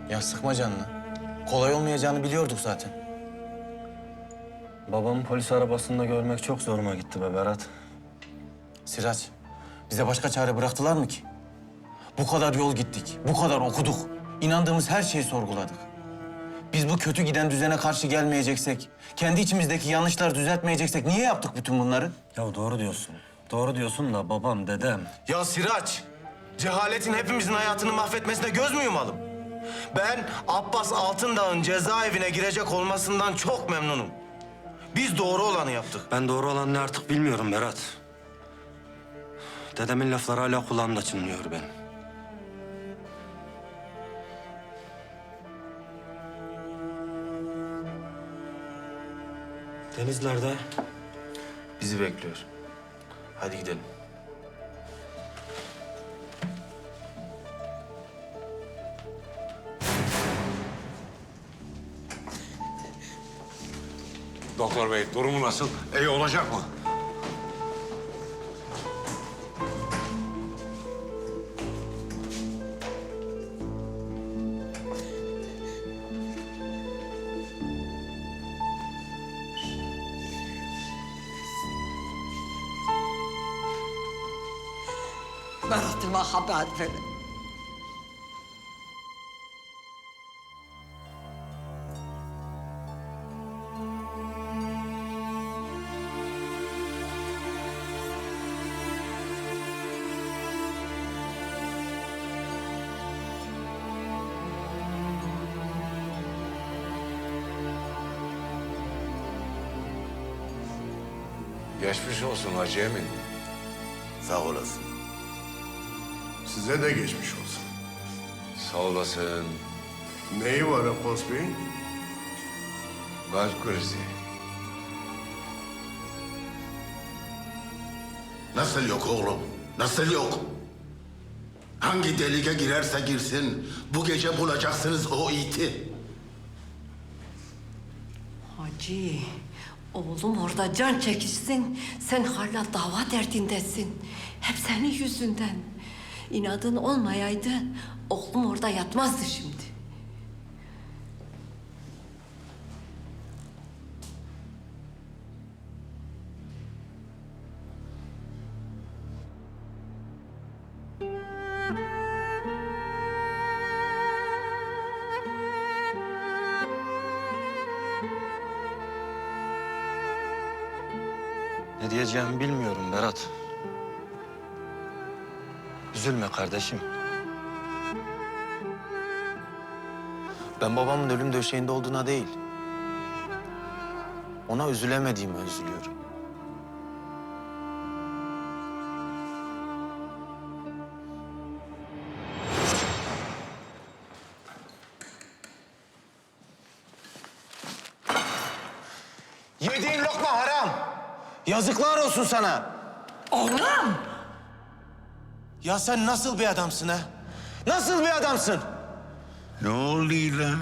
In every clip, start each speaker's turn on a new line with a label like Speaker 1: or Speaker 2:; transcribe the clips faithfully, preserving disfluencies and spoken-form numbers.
Speaker 1: Ya sıkma canını. Kolay olmayacağını biliyorduk zaten.
Speaker 2: Babamı polis arabasında görmek çok zoruma gitti be Berat.
Speaker 1: Sirac, bize başka çare bıraktılar mı ki? Bu kadar yol gittik, bu kadar okuduk. İnandığımız her şeyi sorguladık. Biz bu kötü giden düzene karşı gelmeyeceksek, kendi içimizdeki yanlışları düzeltmeyeceksek niye yaptık bütün bunları?
Speaker 2: Ya doğru diyorsun. Doğru diyorsun da babam, dedem.
Speaker 1: Ya Sirac, cehaletin hepimizin hayatını mahvetmesine göz mü yumalım? Ben Abbas Altındağ'ın cezaevine girecek olmasından çok memnunum. Biz doğru olanı yaptık.
Speaker 2: Ben doğru olan ne artık bilmiyorum Berat. Dedemin lafları hala kulağımda çınlıyor benim. Deniz nerede?
Speaker 1: Bizi bekliyor. Hadi gidelim.
Speaker 3: Doktor bey, durumu nasıl? İyi olacak mı?
Speaker 4: Berat'ıma haber verin.
Speaker 3: Geçmiş olsun Hacı Emin.
Speaker 5: Sağ olasın. Size de geçmiş olsun.
Speaker 3: Sağ olasın.
Speaker 5: Neyi var Abbas Bey'in?
Speaker 3: Kalp krizi.
Speaker 5: Nasıl yok oğlum? Nasıl yok? Hangi delike girerse girsin, bu gece bulacaksınız o iti.
Speaker 4: Hacı, oğlum orada can çekişsin. Sen hala dava derdindesin. Hep senin yüzünden. İnadın olmayaydı, oğlum orada yatmazdı şimdi.
Speaker 2: Ne diyeceğimi bilmiyorum Berat. Üzülme kardeşim.
Speaker 1: Ben babamın ölüm döşeğinde olduğuna değil, ona üzülemediğime üzülüyorum. Yediğin lokma haram. Yazıklar olsun sana.
Speaker 4: Oğlum!
Speaker 1: Ya sen nasıl bir adamsın ha? Nasıl bir adamsın?
Speaker 6: Ne oluyor lan?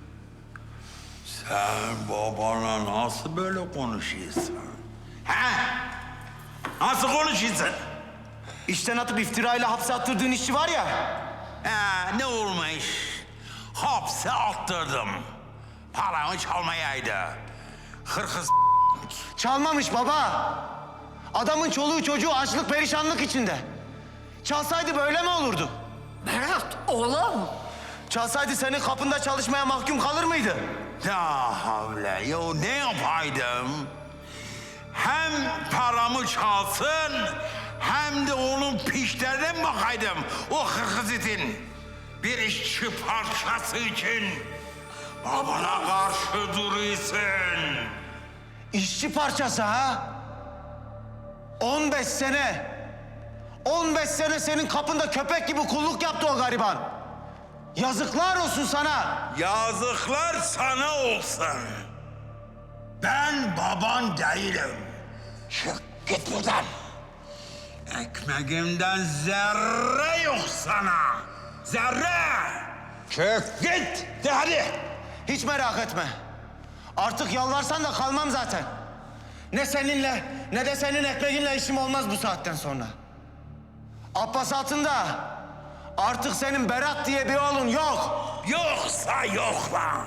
Speaker 6: Sen babana nasıl böyle konuşuyorsun? Ha? Nasıl konuşuyorsun?
Speaker 1: İşten atıp iftirayla hapse attırdığın işçi var ya.
Speaker 6: Ha, ne olmuş? Hapse attırdım. Paramı çalmayaydı. Hırkız
Speaker 1: Çalmamış baba. Adamın çoluğu çocuğu açlık perişanlık içinde. Çalsaydı böyle mi olurdu?
Speaker 4: Berat, oğlum!
Speaker 1: Çalsaydı senin kapında çalışmaya mahkum kalır mıydı?
Speaker 6: Ya havle, yo ne yapaydım? Hem paramı çalsın, hem de onun pişlerine bakaydım. O hırkız itin. Bir işçi parçası için babana karşı duruyorsun.
Speaker 1: İşçi parçası ha? On beş sene. On beş sene senin kapında köpek gibi kulluk yaptı o gariban. Yazıklar olsun sana.
Speaker 6: Yazıklar sana olsun. Ben baban değilim. Çık git buradan. Ekmeğimden zerre yok sana. Zerre. Çık git. De hadi.
Speaker 1: Hiç merak etme. Artık yalvarsan da kalmam zaten. Ne seninle ne de senin ekmeğinle işim olmaz bu saatten sonra. Abbas Altındağ, artık senin Berat diye bir oğlun yok.
Speaker 6: Yok da yok lan.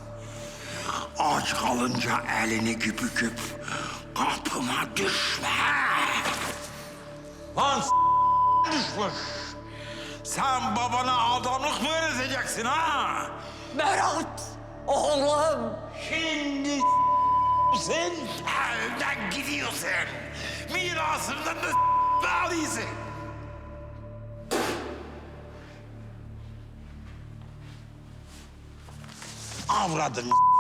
Speaker 6: Aç kalınca elini güpüküp kapıma düşme. Lan s- düşmüş. Sen babana adamlık mı öğreteceksin ha?
Speaker 4: Berat, oğlum.
Speaker 6: Şimdi sen evden gidiyorsun. Mirasından da s- alıyorsun. Avradın